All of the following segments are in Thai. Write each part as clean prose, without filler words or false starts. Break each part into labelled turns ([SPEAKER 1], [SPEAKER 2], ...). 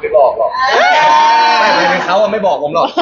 [SPEAKER 1] ไม่บอกหรอกไม่เขาไม่บอกผมหรอก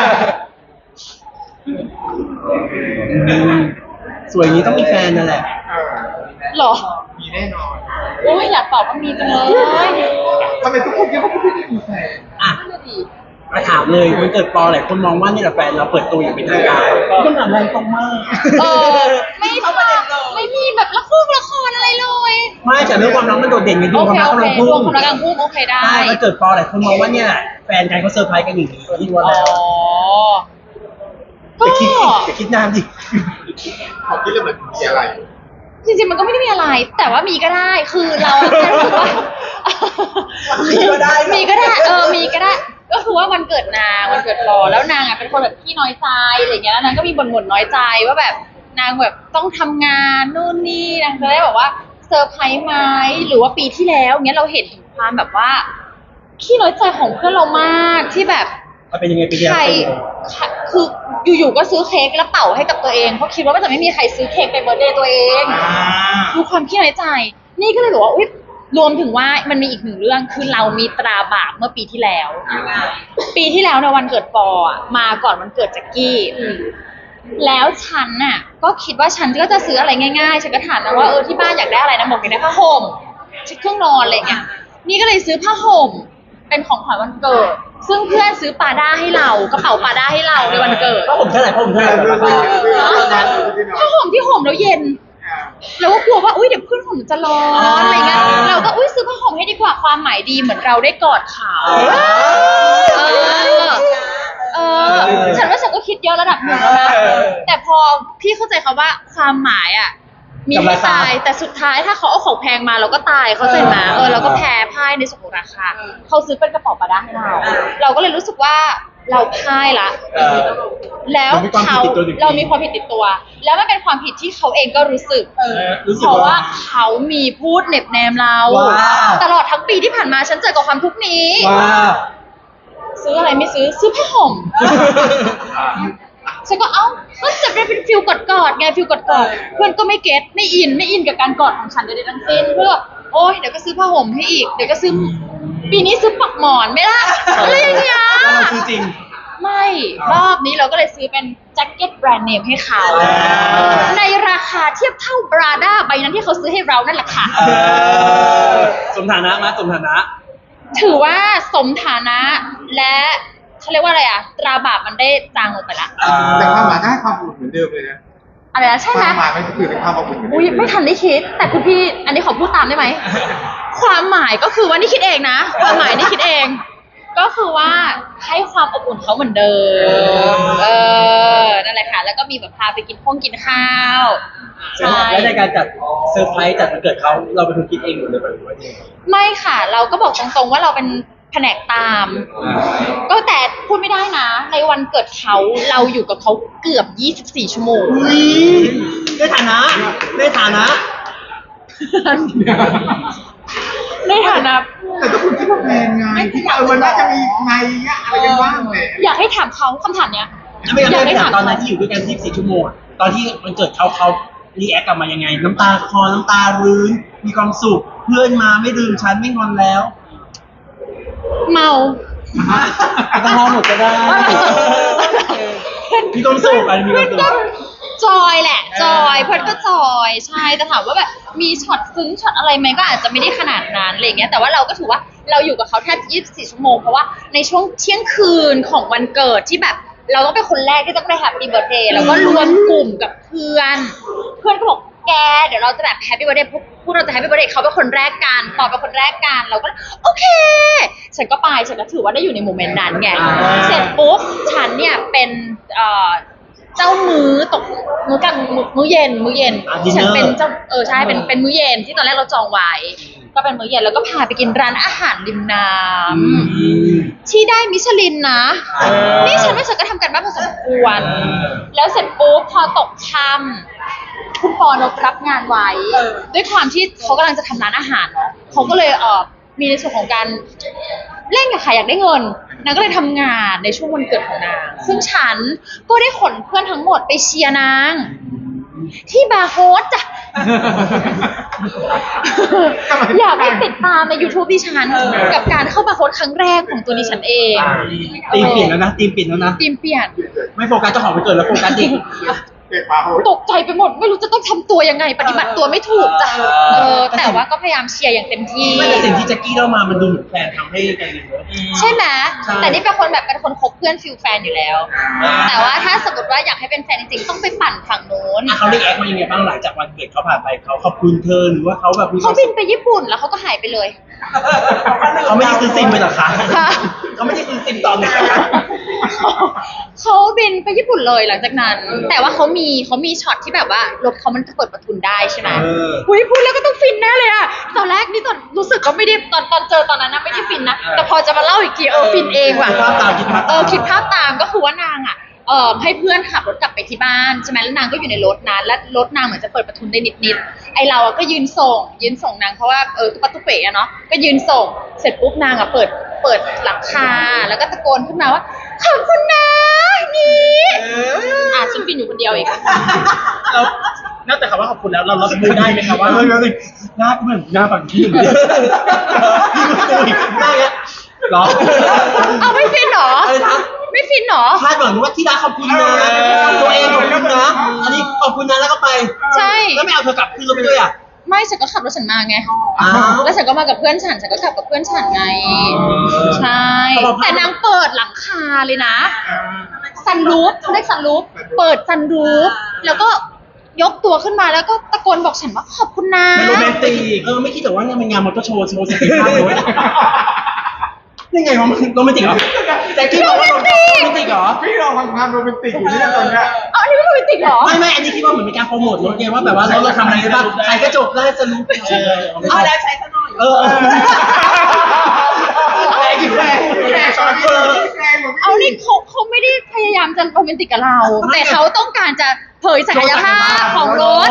[SPEAKER 2] สวยอย่างนี้ต้องมีแฟนนั่นแหละ
[SPEAKER 3] หรอ
[SPEAKER 4] มีแน่นอน
[SPEAKER 3] โอ้ยอยากตอบว่ามีจังเลย
[SPEAKER 4] ทำไมทุกคนคิดว่าคุณไม่มีแฟน
[SPEAKER 2] อ่ะ
[SPEAKER 3] นั่นน่ะดิ
[SPEAKER 2] มาถามเลยมันเกิดปอหลายคนมองว่านี่แหละแฟนเราเปิดตัวอย่างเป็นทางการคำถามแรงตรงมาก
[SPEAKER 3] ไม่ไม่มีแบบละครอะไรเลย
[SPEAKER 2] ไม่แต่เรื่องความรักมันโดดเด่นไง
[SPEAKER 3] โอ
[SPEAKER 2] ดูความ
[SPEAKER 3] เค
[SPEAKER 2] รัก
[SPEAKER 3] โอ
[SPEAKER 2] กำ
[SPEAKER 3] เค
[SPEAKER 2] ลังพุ่ง
[SPEAKER 3] รวมความรักกำลังพุ่งโอเคได้
[SPEAKER 2] ใช่มันเกิดปอหลายคนมองว่าเนี่ยแฟนกันเขาเซอร์ไพรส์กันอย่างนี้ที่ว่า
[SPEAKER 3] อ๋
[SPEAKER 2] แล้
[SPEAKER 3] อ
[SPEAKER 2] ว
[SPEAKER 3] ก็
[SPEAKER 2] อย่าคิดนานดิ
[SPEAKER 4] เขาคิดแล้วมันมีอะไร
[SPEAKER 3] จริงๆมันก็ไม่ได้มีอะไร แต่ว่ามีก็ได้ คือเราแค่รู้สึกว่า
[SPEAKER 2] มีก็ได้
[SPEAKER 3] มีก็ได้มีก็ได้ ก็คือว่าวันเกิดนางวันเกิดปอแล้วนางอ่ะเป็นคนแบบขี้น้อยใจอะไรอย่างเงี้ยแล้วนางก็มีบ่นน้อยใจว่าแบบนางแบบต้องทำงานนู่นนี่นางจะได้แบบว่าเซอร์ไพรส์ไหมหรือว่าปีที่แล้วเงี้ยเราเห็นถึงความแบบว่าขี้น้อยใจของเพื่อนเรามากที่แบบ
[SPEAKER 2] มันเป็นยังไงปีเดียว
[SPEAKER 3] ใครคืออยู่ๆก็ซื้อเค้กแล้วเป่าให้กับตัวเองเพราะคิดว่ามันจะไม่มีใครซื้อเค้กไปเบิร์ธเดย์ตัวเองดูความขี้น้อยใจนี่ก็เลยบอกว่าอุ๊ยรวมถึงว่ามันมีอีกหนึ่งเรื่องคือเรามีตราบาปเมื่อปีที่แล้วปีที่แล้วในวันเกิดปออ่ะมาก่อนวันเกิดแจ็คกี้แล้วฉันน่ะก็คิดว่าฉันก็จะซื้ออะไรง่ายๆฉันก็ถามนะว่าที่บ้านอยากได้อะไรนะบอกอยากได้ผ้าห่มชุดเครื่องนอนอะไรอย่างเงี้ยนี่ก็เลยซื้อผ้าห่มเป็นของขวัญวันเกิดซึ่งเพื่อนซื้อปาด้าให้เรากระเป๋าปาด้าให้เราในวันเกิด
[SPEAKER 2] เพราะผมเท่าไหร่
[SPEAKER 3] ผ้าห่มที่ห่มแล้วเย็นเราก็กลัวว่าอุ้ยเดี๋ยวเพื่อนห่มจะร้อนอะไรเงี้ยเราก็อุ้ยซื้อผ้าห่มให้ดีกว่าความหมายดีเหมือนเราได้กอดเขาฉันว่าฉันก็คิดเยอะระดับหนึ่งแล้วนะแต่พอพี่เข้าใจเขาว่าความหมายอ่ะมีให้ตายแต่สุดท้ายถ้าเขาเอาของแพงมาเราก็ตายเขาใจมาเราก็แพ้พ่ายในส่วนของราคาเขาซื้อเป็นกระเป๋าปาด้าให้เราก็เลยรู้สึกว่าเราพ่ายละแล้วเรามีความผิดติดตัว แล้วมันเป็นความผิดที่เขาเองก็รู้สึกเพราะว่าเขามีพูดเหน็บแนมเราตลอดทั้งปีที่ผ่านมาฉันเจอกับความทุกข์นี้ซื้ออะไรไม่ซื้อผ้าห่มฉันก็ก็จะเป็นฟิลกอดไงฟิลกอดเพื่อนก็ไม่เก็ตไม่อินกับการกอดของฉันใดๆทั้งสิ้นเพื่อโอ๊ยเดี๋ยวก็ซื้อผ้าห่มให้อีกเดี๋ยวก็ซื้อปีนี้ซื้อปักหมอนไหมล่ะอะไรอย่างเงี้ย
[SPEAKER 2] เราซื้อจริง
[SPEAKER 3] ไม่รอบนี้เราก็เลยซื้อเป็นแจ็คเก็ตแบรนด์เนมให้เขาในราคาเทียบเท่าบราด้าใบนั้นที่เขาซื้อให้เรานั่นแหละค่ะ
[SPEAKER 2] สมฐานะมาสมฐานะ
[SPEAKER 3] ถือว่าสมฐานะและเขาเรียกว่าอะไรตราบาปมันได้จางลงไปละ
[SPEAKER 4] แต่ความหมายก็ให้ความอุ่นเหมือนเดิมเลยนะ
[SPEAKER 3] อะไรนะใช่ไหม
[SPEAKER 4] ความหมายมันก็คือเป็นความอุ่นเหมือนเดิม
[SPEAKER 3] อุ้ยไม่ทันได้คิดแต่คุณพี่อันนี้ขอพูดตามได้ไหมความหมายก็คือว่านี่คิดเองนะความหมายนี่คิดเองก็คือว่าให้ความอบอุ่นเขาเหมือนเดิมนั่นแหละค่ะแล้วก็มีแบบพาไปกินข้าวใช่
[SPEAKER 2] แล้วในการจัดเซอร์ไพรส์จัดวันเกิดเขาเราเป็นคนคิดเองหรือเป็นคน
[SPEAKER 3] ไม่ค่ะเราก็บอกตรงๆว่าเราเป็นแผนกตามก็แต่พูดไม่ได้นะในวันเกิดเขาเราอยู่กับเขาเกือบ24ชั่วโมง
[SPEAKER 2] ในฐานะ
[SPEAKER 3] ในฐานะ
[SPEAKER 4] แต่ถ้าคุณคิดว่าแพงไงที่มันน่าจะมีไงอะไรกันบ้างเลย
[SPEAKER 3] อยากให้ถามเขาคำถามเนี้ย
[SPEAKER 2] อยากให้ถามตอนนั้นที่อยู่ด้วยกัน24ชั่วโมงตอนที่มันเกิดเขารีแอคกลับมายังไงน้ำตาคลอน้ำตารื้นมีความสุขเพื่อนมาไม่ลืมฉันไม่งอนแล้ว
[SPEAKER 3] เมา
[SPEAKER 2] แอลกอฮอล์หมดก็ได้มีความสุขอะไรมีความสุข
[SPEAKER 3] จอยแหละจอยเพื่อนก็จอยใช่แต่ถามว่าแบบมีช็อตซึ้งช็อตอะไรไหมก็อาจจะไม่ได้ขนาดนั้นอะไรเงี้ยแต่ว่าเราก็ถือว่าเราอยู่กับเขาแทบ24ชั่วโมงเพราะว่าในช่วงเที่ยงคืนของวันเกิดที่แบบเราต้องเป็นคนแรกที่ต้องได้แฮปปี้เบิร์ธเดย์แล้วก็รวมกลุ่มกับเพื่อนก็บอกแกเดี๋ยวเราจะแบบแฮปปี้เบิร์ธเดย์พูดเราจะแฮปปี้เบิร์ธเดย์เขาเป็นคนแรกกันปอเป็นคนแรกกันเราก็โอเคฉันก็ไปฉันก็ถือว่าได้อยู่ในโมเมนต์นั้นไงเสร็จปุ๊บฉันเนี่ยเป็นเจ้ามื้อตกมื้อกลางมื้อเย็นที่ฉันเป็นเจ้าใช่เป็นมื้อเย็นที่ตอนแรกเราจองไว้ก็เป็นมื้อเย็นแล้วก็พาไปกินร้านอาหารริมน้ำที่ได้มิชลินนะนี่ฉันว่าฉันก็ทำกันบ้านพอสมควรแล้วเสร็จปุ๊บพอตกค่ำคุณปอนรับงานไว้ด้วยความที่เขากำลังจะทำร้านอาหารเนาะเขาก็เลยมีในส่วนของการเล่นกับใครอยากได้เงินนางก็เลยทำงานในช่วงวันเกิดของนางซึ่งฉันก็ได้ขนเพื่อนทั้งหมดไปเชียร์นางที่บาร์โฮสจ้ะอยากให้ติดตามใน YouTube ดิฉันกับการเข้ามาโค้ดครั้งแรกของตัวดิฉันเอง
[SPEAKER 2] ทีมเปลี่ยนแล้วนะทีมเปลี่ยนแล้วนะ
[SPEAKER 3] ทีมเปลี่ยน
[SPEAKER 2] ไม่โฟกัสเจ้าของไปเกิดแล้วโฟกัสเด็ก
[SPEAKER 4] เด็กปาโหด
[SPEAKER 3] ตกใจไปหมดไม่รู้จะต้องทำตัวยังไง ปฏิบัติตัวไม่ถูกจ้ะแต่ว่าก็พยายามเชียร์อย่างเต็มที่
[SPEAKER 2] ไม่แต่สิ่งที่แจ็คกี้เล่ามามันดูเหมือนแฟนทำให้กันเลยเนอะ
[SPEAKER 3] ใช่ไหม
[SPEAKER 2] ใช่
[SPEAKER 3] แต่นี่เป็นคนแบบเป็นคนคบเพื่อนฟิลแฟนอยู่แล้ว แต่ว่าถ้าสมมติว่าอยากให้เป็นแฟนจริงๆต้องไปปั่นฝั่งโน้น
[SPEAKER 2] อ่ะเขาเรียกแอคมายังไงบ้างหลังจากวันเกิดเขาผ่านไปเขาขอบคุณเธอหรือว่าเขาแบบมีค
[SPEAKER 3] เขา
[SPEAKER 2] วาม
[SPEAKER 3] บิ
[SPEAKER 2] สุ
[SPEAKER 3] น
[SPEAKER 2] ข
[SPEAKER 3] ไปญี่ปุ่นแล้วเขาก็หายไปเลย
[SPEAKER 2] เขาไม่ได้ซื้อซิมไปเหรอคะ
[SPEAKER 3] ค่ะ
[SPEAKER 2] เขาไม่ได้ซื้อซิมตอนไหนคะ
[SPEAKER 3] เขาบินไปญี่ปุ่นเลยหลังจากนั้น แต่ว่าเขามีช็อตที่แบบว่ารถเขามันเปิดประทุนได้ใช่ไหม อุ้ยพูดแล้วก็ต้องฟินแน่เลยอะตอนแรกนี่ตอนรู้สึกก็ไม่ได้ตอนเจอตอนนั้นนะไม่ได้ฟินนะแต่พอจะมาเล่าอีกทีฟินเองว่ะ
[SPEAKER 2] คิดภาพตามคิดภาพตาม
[SPEAKER 3] คิดภาพตามก็คือว่านางอะให้เพื่อนขับรถกลับไปที่บ้านใช่ไหมแล้วนางก็อยู่ในรถนั้นแล้วรถนางเหมือนจะเปิดประทุนได้นิดๆไอเราอะก็ยืนส่งนางเพราะว่าตุ๊กตุ๊เป๋อะเนาะก็ยืนส่งเสร็จปุ๊บนางอะเปิดหลังคาแล้วก็ตะโกนขึ้นมาว่าขอบคุณนะนี่ฉันฟินอยู่คนเดียวเอง
[SPEAKER 2] เรานอกจากคำว่าขอบคุณแล้วเรารับมือได้ไหมครับว่าหน้าก็เหมือนหน้าฝั่งที่หนึ่งพี่รู้ตัวอีกหน้าเงี้ยหรอ
[SPEAKER 3] เอาไม่ฟินเหรอ
[SPEAKER 2] อะไรนะ
[SPEAKER 3] ไม่ฟินเหรอ
[SPEAKER 2] คาดหวังว่าที่รักขอบคุณนะตัวเองขอบคุณนะอันนี้ขอบคุณนะแล้วก็ไป
[SPEAKER 3] ใช่
[SPEAKER 2] แล้วไม่เอาเธอกลับขึ้นรถไปด้วยอ่ะ
[SPEAKER 3] ไม่ฉันก็ขับรถฉันมาไง
[SPEAKER 2] อ้าว
[SPEAKER 3] แล้วฉันก็มากับเพื่อนฉันก็กลับกับเพื่อนฉันไง ใช่ แต่นางเปิดหลังคาเลยนะ ซันรูฟเรียกซันรูฟเปิดซันรูฟแล้วก็ยกตัวขึ้นมาแล้วก็ตะโกนบอกฉันว่าขอบคุณนะ
[SPEAKER 2] ไม่โรแมนติกไม่คิดแต่ว่างานเป็นงานมอเตอร์โชว์โชว์สกิลภาพเลยยังไงวะมันโรแมนติกเหรอแต่คิดว่าโรแมนติกเหรอ
[SPEAKER 4] พี่ลองทำงานโรแมนติกอยู่เนี่ยตอนเนี้ย
[SPEAKER 3] อันนี้ไม่โรแมนติกเหรอ
[SPEAKER 2] ไม่อันนี้คิดว่าเหมือนเป็นการโปรโมทรถไงว่าแบบว่าเราทำอะไรได้บ้างใส่กระจกได้สรุปเอาแล้วใช้ซะหน่อยแรงอยู่แรง
[SPEAKER 4] แรงตอนนี้แรงกว่าพี่
[SPEAKER 3] เอานี่เขาไม่ได้พยายามจะโรแมนติกกับเรา แต่เขาต้องการจะเผยศักยภาพของรถ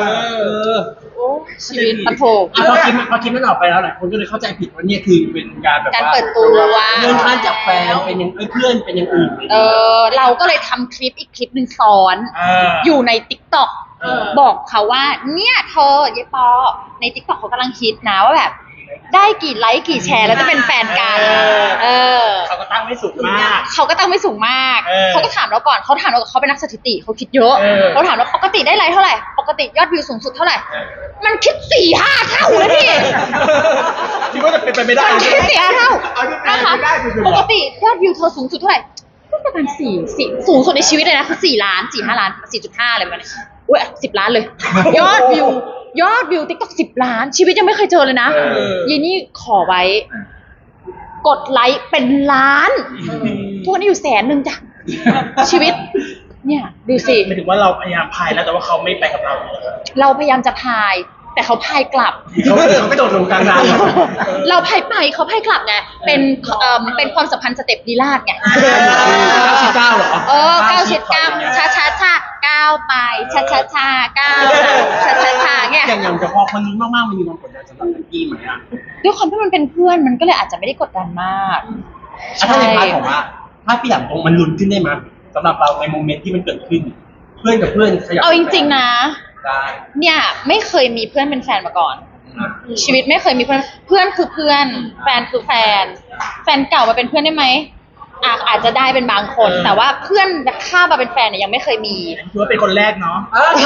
[SPEAKER 3] ชีวิตปะโถ
[SPEAKER 2] พอคลิปนั้นออกไปแล้วหลายคนก็เลยเข้าใจผิดว่าเนี่ยคือเป็นการแบบ
[SPEAKER 3] การ
[SPEAKER 2] ว่า
[SPEAKER 3] เปิดตัว
[SPEAKER 2] เลื่อนขั้นจากแฟนเป็นยังเพื่อนเป็นอย่างอื่น
[SPEAKER 3] เราก็เลยทำคลิปอีกคลิปหนึ่งซ้อน อยู่ใน TikTok บอกเขาว่าเนี่ยเธอยายปอใน TikTok เขากำลังคิดนะว่าแบบ ได้กี่ไลค์กี่แชร์แล้วจะเป็นแฟนกัน
[SPEAKER 2] เขาก็ตั้งไม่สุดมาก
[SPEAKER 3] เขาก็ตั้งไม่สูงมาก เขาก็ถามเราก่อนเขาถามเราเขาเป็นนักสถิติเขาคิดเยอะเขาถามเราปกติได้ไลค์เท่าไหร่ปกติยอดวิวสูงสุดเท่าไหร่มันคิด 4-5 เท่าเลยพี่
[SPEAKER 2] คิดว่าจะเป็นไปไม่ได้
[SPEAKER 3] มันคิด4-5 เท่า
[SPEAKER 4] เอาที่แปล
[SPEAKER 3] นะคะ
[SPEAKER 4] ไม่ได้คือ
[SPEAKER 3] ปกติยอดวิวเธอสูงสุดเท่าไหร่ก็ประมาณ4สูงสุดในชีวิตเลยนะคือ4 ล้าน4-5 ล้าน 4.5อะไรประมาณนี้อุ้ย10 ล้านเลย ยอดวิว TikTok 10 ล้าน ชีวิตยังไม่เคยเจอเลยนะยีนี่ขอไว้ กดไลค์เป็นล้านทุกวันนี้อยู่100,000จ้ะชีวิต เนี่ยดูสิ
[SPEAKER 2] หมายถึงว่าเราพยายามพายแล้วแต่ว่าเขาไม่ไปกับเรา
[SPEAKER 3] เราพยายามจะพาย แต่เขาพายกลับ
[SPEAKER 2] เขาไม่โดดลงกลางน้ำ
[SPEAKER 3] เราพายไปเขาพายกลับไงเป็นความสัมพันธ์สเต็ปลีลาดไง
[SPEAKER 2] 99เหรอ
[SPEAKER 3] 99ช้าก้าวไปช้าก้าวช้าเงี้ย
[SPEAKER 2] อย่างจะพอคนนี้มากๆมันมีความกดดันสำหรับแจ็คกี้ไหมอ่ะ
[SPEAKER 3] ด้วยความที่มันเป็นเพื่อนมันก็เลยอาจจะไม่ได้กดดันมาก
[SPEAKER 2] ถ้าในพาร์ทของว่าถ้าพี่หลังตรงมันลุ้นขึ้นได้ไหมสำหรับเราในโมเมนต์ที่มันเกิดขึ้น เพื่อนกับเพื่อนขยับ
[SPEAKER 3] เอาจริงๆนะ
[SPEAKER 2] ได้
[SPEAKER 3] เนี่ยไม่เคยมีเพื่อนเป็นแฟนมาก่อน ชีวิตไม่เคยมีเพื่อนคือเพื่อนแฟนคือแฟนเก่ามาเป็นเพื่อนได้ไหมอาจจะได้เป็นบางคน แต่ว่าเพื่อนข้ามมาเป็นแฟนเนี่ยยังไม่เคยมี
[SPEAKER 2] ถือว่าเป็นคนแรกเนาะ
[SPEAKER 3] ใช่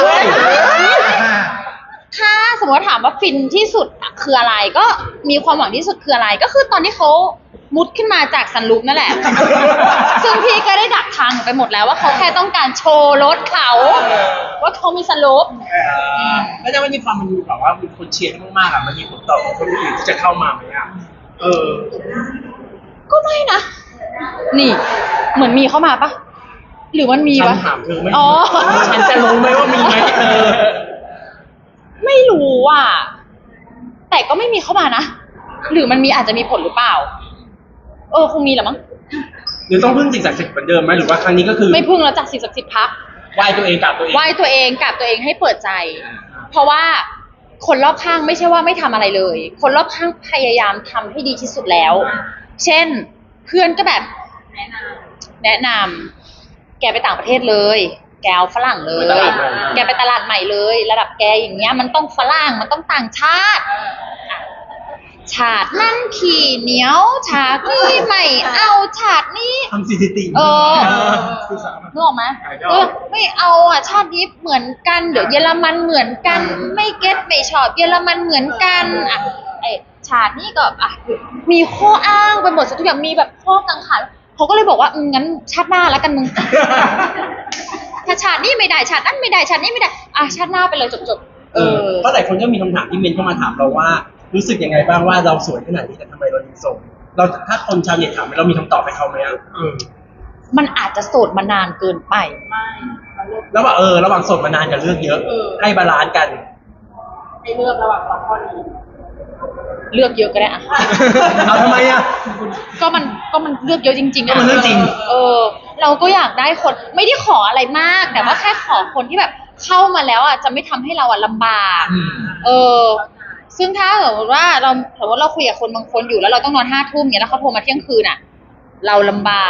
[SPEAKER 3] ถ้าสมมติว่าถามว่าฟินที่สุดคืออะไรก็มีความหวังที่สุดคืออะไร ก็คือตอนที่เขามุดขึ้นมาจากซันรูฟนั่นแหละ ซึ่งพี่ก็ได้ดักทางไปหมดแล้วว่าเขาแค่ต้องการโชว์รถเขาว่าเขามีซันรูฟ
[SPEAKER 2] แล้วจะมันมีความมันมีแบบว่ามีคนเชียร์ให้มากๆอ่ะมันมีผลต่อคนอื่นที่จะเข้ามาไหมอ่ะ
[SPEAKER 3] ก็ไม่นะ นี่ เหมือนมีเข้ามาปะหรือมันมี
[SPEAKER 2] ฉั
[SPEAKER 3] วะ
[SPEAKER 2] นถามเธอไม่
[SPEAKER 3] อ๋อ
[SPEAKER 2] ฉันจะรู้ไหมว่ามีไหม
[SPEAKER 3] ไม่รู้อ่ะแต่ก็ไม่มีเข้ามานะ หรือมันมีอาจจะมีผลหรือเปล่า คงมีแหละมั้ง
[SPEAKER 2] หรือต้องพึ่งสิ่งศักดิ์สิทธิ์เหมือนเดิมไหมหรือว่าครั้งนี้ก็คือ
[SPEAKER 3] ไม่พึ่งแล้วจากสิ่งศักดิ์สิทธิ์พัก
[SPEAKER 2] ไหว้ตัวเองกับตัวเอง
[SPEAKER 3] ไหว้ตัวเองกับตัวเองให้เปิดใจ เพราะว่าคนรอบข้างไม่ใช่ว่าไม่ทำอะไรเลย คนรอบข้างพยายามทำให้ดีที่สุดแล้ว เช่น เพื่อนก็แบบแนะนำแกไปต่างประเทศเลยแกเอาฝรั่งเลย แกไปตลาดใหม่เลย ระดับแกอย่างเงี้ยมันต้องฝรั่งมันต้องต่างชาติฉาดนั่นขี่เหนียวฉากนี่ไม่เอาฉาดนี้
[SPEAKER 2] ทำสถิติ
[SPEAKER 3] เออ นึกออกไหมไม่เอาอ่ะชาตินี้เหมือนกันเดี๋ยวเยอรมันเหมือนกันไม่เก็ตไม่ชอบเยอรมันเหมือนกันอ่ะไอชาตินี้ก็อ่ะมีข้ออ้างไปหมดทุกอย่างมีแบบข้อกังขาเขาก็เลยบอกว่างั้นชาติหน้าแล้วกันมึง ถ้าชาตินี้ไม่ได้ชาตินั้นไม่ได้ชาตินี้ไม่ได้อ่ะชาติหน้าไปเลยจบ
[SPEAKER 2] เพราะหลายคนก็มีคำถามที่เมนเข้ามาถามเราว่ารู้สึกยังไงบ้างว่าเราสวยขนาดนี้แต่ทำไมเรายังโสดเราถ้าคนชาวเน็ตถามเรามีคำตอบให้เขาไหมอ่ะ
[SPEAKER 3] มันอาจจะโสดมานานเกินไป
[SPEAKER 2] แล้วว่าระหว่างโสดมานานกับเลือกเยอะให้บาลานซ์กัน
[SPEAKER 5] ให้เลือกระหว่างสองข้อนี้
[SPEAKER 3] เลือกเยอะก็ได้อะ
[SPEAKER 2] เอาทำไมอ่ะ
[SPEAKER 3] ก็มันเลือกเยอะจริงๆ
[SPEAKER 2] ก็
[SPEAKER 3] อะ
[SPEAKER 2] มันเรื่องจริง
[SPEAKER 3] เราก็อยากได้คนไม่ได้ขออะไรมาก แต่ว่าแค่ขอคนที่แบบเข้ามาแล้วอ่ะจะไม่ทำให้เราอ่ะลำบากซึ่งถ้าสมมติว่าเราคุยกับคนบางคนอยู่แล้วเราต้องนอน5 ทุ่มเนี่ยแล้วเขาโทรมาเที่ยงคืนอ่ะ เราลำบาก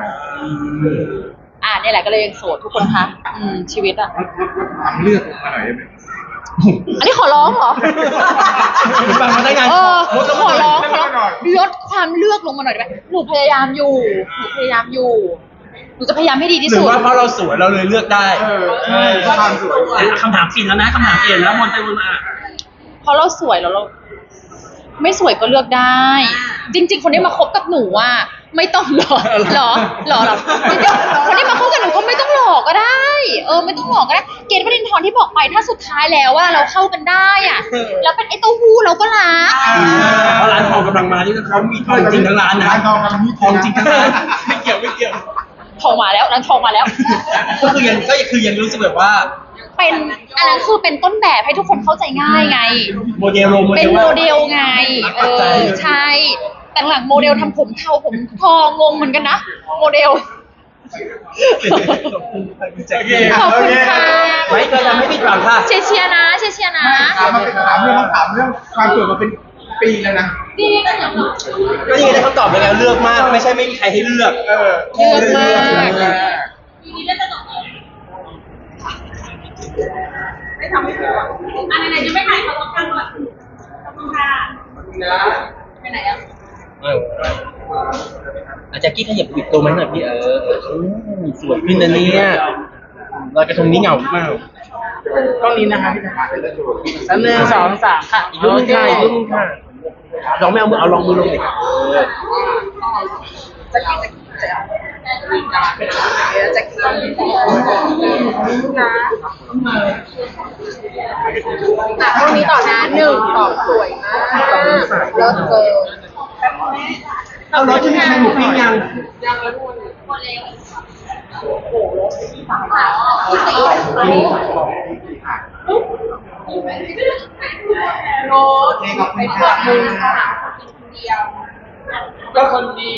[SPEAKER 3] เนี่ยแหละก็เลยยังโสดทุกคนคะชีวิตอ่ะ
[SPEAKER 4] ทำเลือกมาหน่อยได้ไหม
[SPEAKER 3] อันนี้ขอร้องเหรอ
[SPEAKER 2] ฟังมาได้ไง
[SPEAKER 3] ขอร้องลดความเลือกลงมาหน่อยได้ไหมหนูพยายามอยู่หนูจะพยายามให้ดีที่
[SPEAKER 2] หรื
[SPEAKER 3] สุ
[SPEAKER 2] อ
[SPEAKER 3] ด
[SPEAKER 2] ว่าเพราะเราสวยเราเลยเลือกได้
[SPEAKER 4] ใช่ความสวย
[SPEAKER 2] คำถามเปลี่ยนแล้วนะคำถามเปลี่ยนแล้ววนไปวนมา
[SPEAKER 3] เพราะเราสวยแล้วเราไม่สวยก็เลือกได้ จริง ๆ คนที่มาคบกับหนูอ่ะไม่ต้องหรอกหรอคนที่มาคบกับหนูก็ไม่ต้องหลอกก็ได้ ไม่ต้องหลอกก็ได้เกณฑ์วรินทร์ที่บอกไปถ้าสุดท้ายแล้วว่าเราเข้ากันได้อ่ะแล้วเป็นไอ้เต้าหู้เราก็รัก
[SPEAKER 2] เพราะร้านทองกำลังมาที่เขามีทองจริงทั้งร้านนะ
[SPEAKER 4] ร้านทองกำลังมี
[SPEAKER 2] ทองจริงทั้งร้านไม่เกี่ยว
[SPEAKER 3] ทองมาแล้วนางทองมาแล้ว
[SPEAKER 2] ก็คือยังรู้สึกแบบว่า
[SPEAKER 3] เป็นอันนั้นคือเป็นต้นแบบให้ทุกคนเข้าใจง่ายไง
[SPEAKER 2] โมเดล
[SPEAKER 3] เป็นโมเดลไงใช่แต่หลังโมเดลทำผมเทาผมทองงงเหมือนกันนะโมเดลขอบคุณค่ะ
[SPEAKER 2] ไม่เคยทำให้ผิดหวังค่ะ
[SPEAKER 3] เชียร์นะ
[SPEAKER 4] ถามเรื่องความสวยมาเป็นปีแล้วนะ
[SPEAKER 3] จริง
[SPEAKER 2] ก็ยังได้คำตอบไปแล้วเลือกมาก ไม่ใช่ไม่มีใครให้เลือก
[SPEAKER 3] เลือกมาก
[SPEAKER 5] ไม่ทำให้ผิดหวังไหนๆจะไม่ถ่ายเขาต้องการก่อนขอบคุณค่ะไปไหนอ่ะ
[SPEAKER 2] อาจจะกี้ขยับปิดตัวไหมหน่อยพี่สวยขึ้นนะเนี่ยลอยกระทงนี้เหงาหรือเปล่า
[SPEAKER 6] ก็นี้นะคะพี่สาม1 2 3ค่ะ
[SPEAKER 2] อีกรูปนึงค่ะลองไม่เอามือเอาลองมือลงดิค่ะ
[SPEAKER 5] จะกินนะตรงนี้ต่อนะ1 2สวยมากเลิศเกิน
[SPEAKER 2] เอารถที่มีใครหมูปิ้งยัง
[SPEAKER 5] โน้ตไปขอบคุณค่ะเดียว
[SPEAKER 6] ก็คนดี